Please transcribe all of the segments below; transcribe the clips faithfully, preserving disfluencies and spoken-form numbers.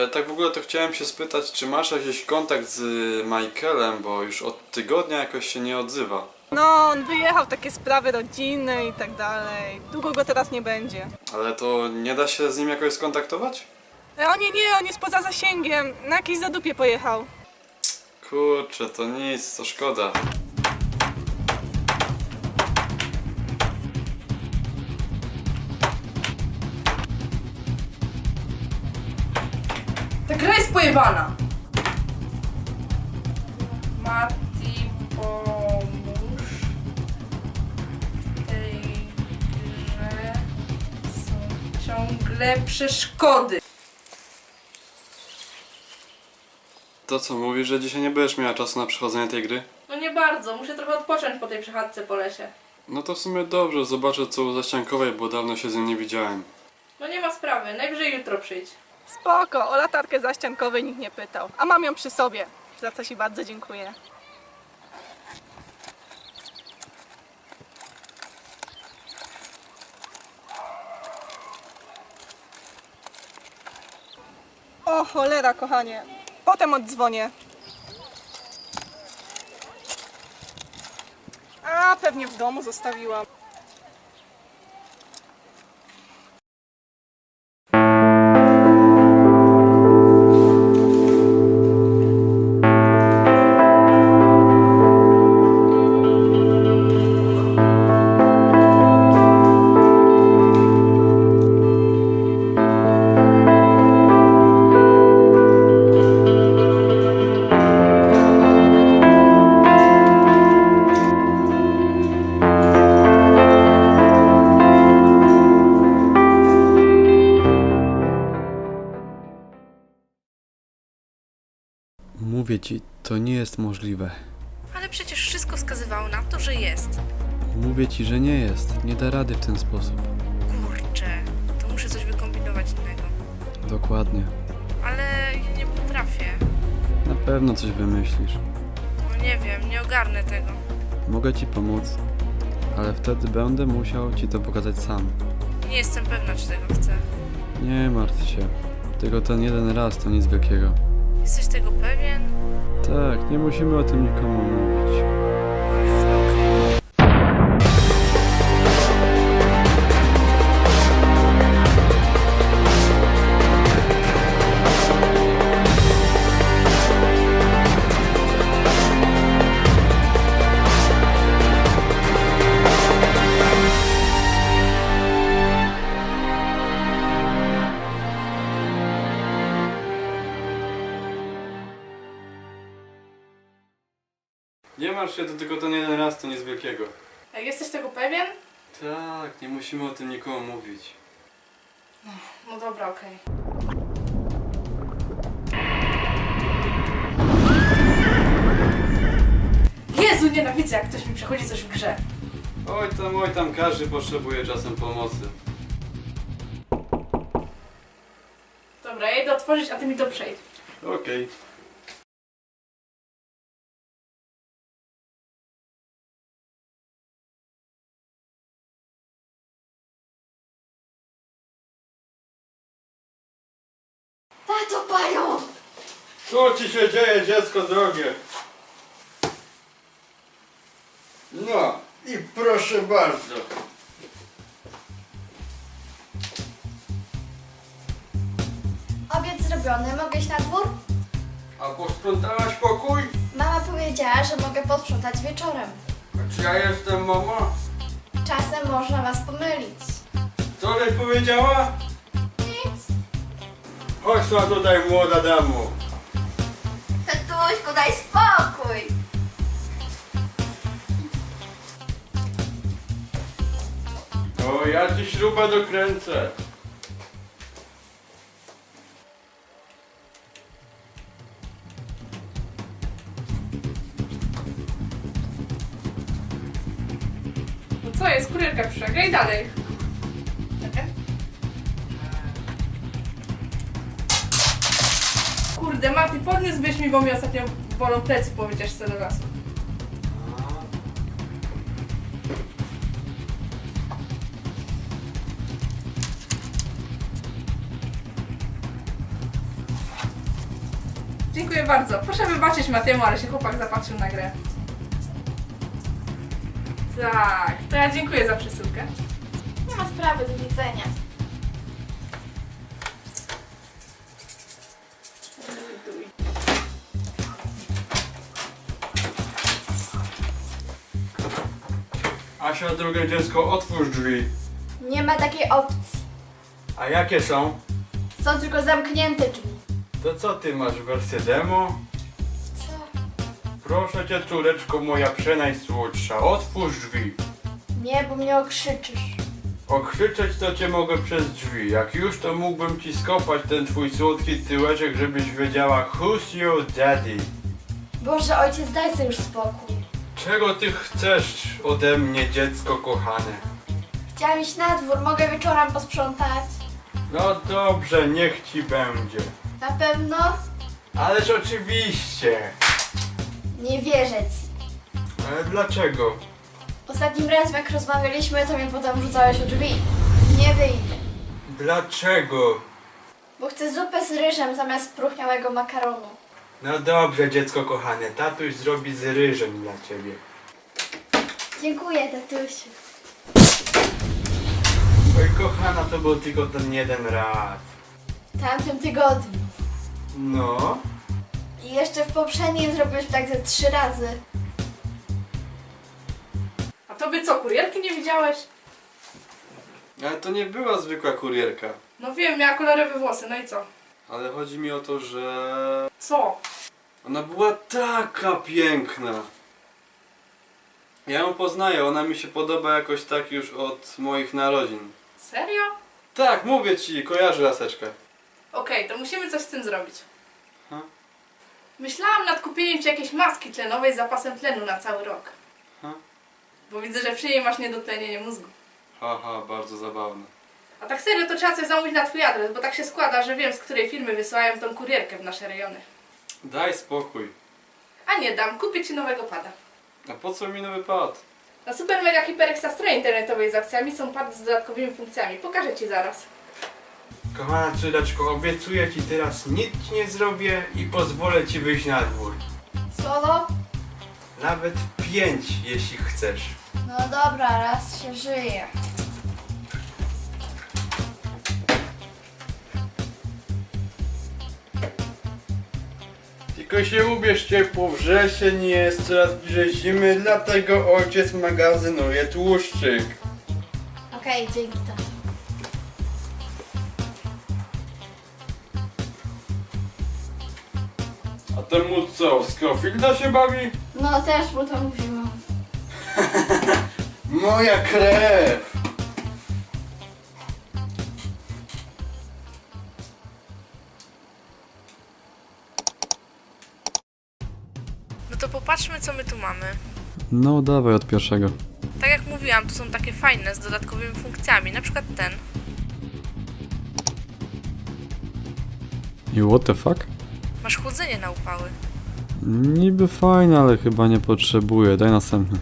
tak w ogóle to chciałem się spytać, czy masz jakiś kontakt z Michaelem, bo już od tygodnia jakoś się nie odzywa. No, on wyjechał, takie sprawy rodzinne i tak dalej. Długo go teraz nie będzie. Ale to nie da się z nim jakoś skontaktować? E, O nie, nie, on jest poza zasięgiem. Na jakieś zadupie pojechał. Kurczę, to nic, to szkoda. Ta gra jest pojebana! Mati, pomóż. W tej grze są ciągle przeszkody. To co, mówisz, że dzisiaj nie będziesz miała czasu na przechodzenie tej gry? No nie bardzo, muszę trochę odpocząć po tej przechadzce po lesie. No to w sumie dobrze, zobaczę co u Zaściankowej, bo dawno się z nim nie widziałem. No nie ma sprawy, najwyżej jutro przyjdź. Spoko, o latarkę zaściankowej nikt nie pytał. A mam ją przy sobie, za co ci bardzo dziękuję. O cholera, kochanie. Potem oddzwonię. A, pewnie w domu zostawiłam. Mówię ci, to nie jest możliwe. Ale przecież wszystko wskazywało na to, że jest. Mówię ci, że nie jest. Nie da rady w ten sposób. Kurczę, to muszę coś wykombinować innego. Dokładnie. Ale ja nie potrafię. Na pewno coś wymyślisz. No nie wiem, nie ogarnę tego. Mogę ci pomóc, ale wtedy będę musiał ci to pokazać sam. Nie jestem pewna, czy tego chcę. Nie martw się. Tylko ten jeden raz to nic wielkiego. Jesteś tego pewien? Tak, nie musimy o tym nikomu mówić. Ach, no okej. Nie martw się, to tylko ten jeden raz to nic wielkiego. Jak jesteś tego pewien? Tak, nie musimy o tym nikomu mówić. No dobra, okej. Jezu, nienawidzę, jak ktoś mi przechodzi coś w grze. Oj tam, oj tam, każdy potrzebuje czasem pomocy. Dobra, ja idę otworzyć, a ty mi to przejdź. Okej. Tato, pająk! Co ci się dzieje, dziecko drogie? No i proszę bardzo. Obiad zrobiony, mogę iść na dwór? A posprzątałaś pokój? Mama powiedziała, że mogę posprzątać wieczorem. A czy ja jestem mama? Czasem można was pomylić. Co żeś powiedziała? Nic. Chodź na tutaj, młoda damo. Tatuśku, daj spokój! O, ja ci śrubę dokręcę. No co jest, kurierka przyszła, graj dalej. Kurde, Mati, podniósłbyś mi, bo mi ostatnio bolą plecy po wycieczce do lasu. Dziękuję bardzo. Proszę wybaczyć Matiemu, ale się chłopak zapatrzył na grę. Tak, to ja dziękuję za przesyłkę. Nie ma sprawy, do widzenia. Asia, drugie dziecko, otwórz drzwi. Nie ma takiej opcji. A jakie są? Są tylko zamknięte drzwi. To co ty masz, wersję demo? Co? Proszę cię, córeczko moja przenajsłodsza, otwórz drzwi. Nie, bo mnie okrzyczysz. Okrzyczeć to cię mogę przez drzwi. Jak już, to mógłbym ci skopać ten twój słodki tyłeczek, żebyś wiedziała who's your daddy. Boże, ojciec, daj sobie już spokój. Czego ty chcesz ode mnie, dziecko kochane? Chciałam iść na dwór, mogę wieczorem posprzątać. No dobrze, niech ci będzie. Na pewno? Ależ oczywiście. Nie wierzę ci. Ale dlaczego? Ostatnim razem jak rozmawialiśmy, to mnie potem rzucałeś o drzwi. Nie wyjdę. Dlaczego? Bo chcę zupę z ryżem zamiast spróchniałego makaronu. No dobrze, dziecko kochane, tatuś zrobi z ryżem dla ciebie. Dziękuję, tatusiu. Oj kochana, to był tylko ten jeden raz. W tamtym tygodniu. No, I jeszcze w poprzednim zrobiłeś tak ze trzy razy. A tobie co, kurierki nie widziałeś? Ale to nie była zwykła kurierka. No wiem, miała kolorowe włosy, no i co? Ale chodzi mi o to, że Co? ona była taka piękna. Ja ją poznaję, ona mi się podoba jakoś tak już od moich narodzin. Serio? Tak, mówię ci, kojarzę laseczkę. Okej, to musimy coś z tym zrobić. Ha? Myślałam nad kupieniem ci jakiejś maski tlenowej z zapasem tlenu na cały rok. Ha? Bo widzę, że przy niej masz niedotlenienie mózgu. Haha, bardzo zabawne. A tak serio to trzeba coś zamówić na twój adres, bo tak się składa, że wiem, z której firmy wysyłają tą kurierkę w nasze rejony. Daj spokój. A nie dam, kupię ci nowego pada. A po co mi nowy pad? Na Super Mega Hyper Extra stronie internetowej z akcjami są pady z dodatkowymi funkcjami. Pokażę ci zaraz. kochana córeczko, obiecuję ci teraz nic ci nie zrobię i pozwolę ci wyjść na dwór. Słowo? Nawet pięć, jeśli chcesz. No dobra, raz się żyje. Tylko się ubierz ciepło, wrzesień jest, coraz bliżej zimy, dlatego ojciec magazynuje tłuszczyk. Okej, dzięki tato. A temu co, Scofielda się bawi? No też mu to mówiłam. Moja krew! No to popatrzmy, co my tu mamy. No dawaj od pierwszego. Tak jak mówiłam, tu są takie fajne, z dodatkowymi funkcjami, na przykład ten. I what the fuck? Masz chłodzenie na upały. Niby fajne, ale chyba nie potrzebuję. Daj następny.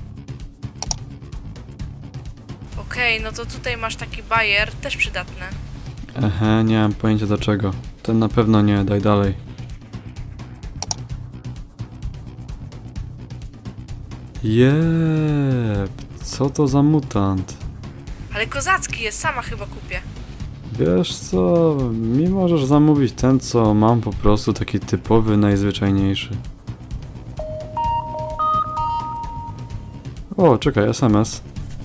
Okej, no to tutaj masz taki bajer, też przydatne. Ehe, nie mam pojęcia do czego. Ten na pewno nie, daj dalej. Jep, co to za mutant? Ale kozacki jest, sama chyba kupię. Wiesz co, mi możesz zamówić ten, co mam po prostu taki typowy, najzwyczajniejszy. O, czekaj, S M S.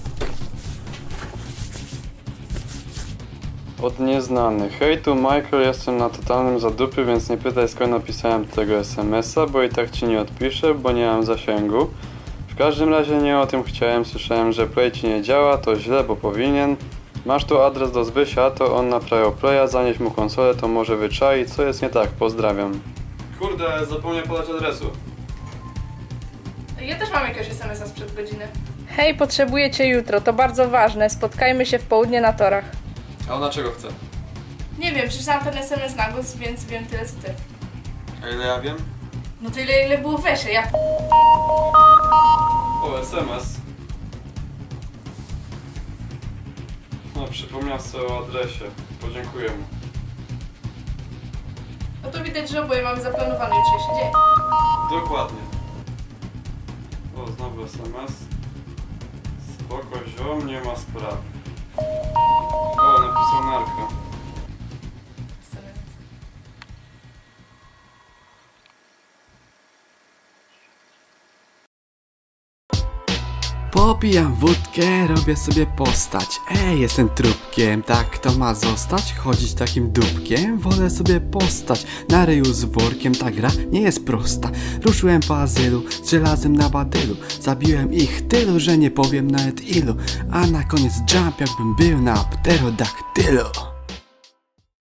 Od nieznany. Hej, tu Michael, jestem na totalnym zadupy, więc nie pytaj skąd napisałem tego S M S-a, bo i tak ci nie odpiszę, bo nie mam zasięgu. W każdym razie nie o tym chciałem, słyszałem, że Play ci nie działa, to źle, bo powinien. Masz tu adres do Zbysia, to on naprawiał Playa, zanieś mu konsolę, to może wyczai, co jest nie tak, pozdrawiam. Kurde, zapomniałem podać adresu. Ja też mam jakiegoś es em es a sprzed godziny. Hej, potrzebuję cię jutro, to bardzo ważne. Spotkajmy się w południe na torach. A ona czego chce? Nie wiem, przeczytałam ten es em es na głos, więc wiem tyle co ty. A ile ja wiem? No to ile, ile było wesze, ja... O, S M S. No, przypomniał sobie o adresie. Podziękuję mu. No to widać, że oboje mamy zaplanowany jutrzejszy dzień. Dokładnie. O, znowu S M S. Spoko, ziom, nie ma sprawy. O, napisał Marko. Popijam wódkę, robię sobie postać. Ej, jestem trupkiem, tak to ma zostać? Chodzić takim dupkiem? Wolę sobie postać. Na ryju z workiem, ta gra nie jest prosta. Ruszyłem po azylu, z żelazem na badylu. Zabiłem ich tylu, że nie powiem nawet ilu. A na koniec jump, jakbym był na pterodaktylu.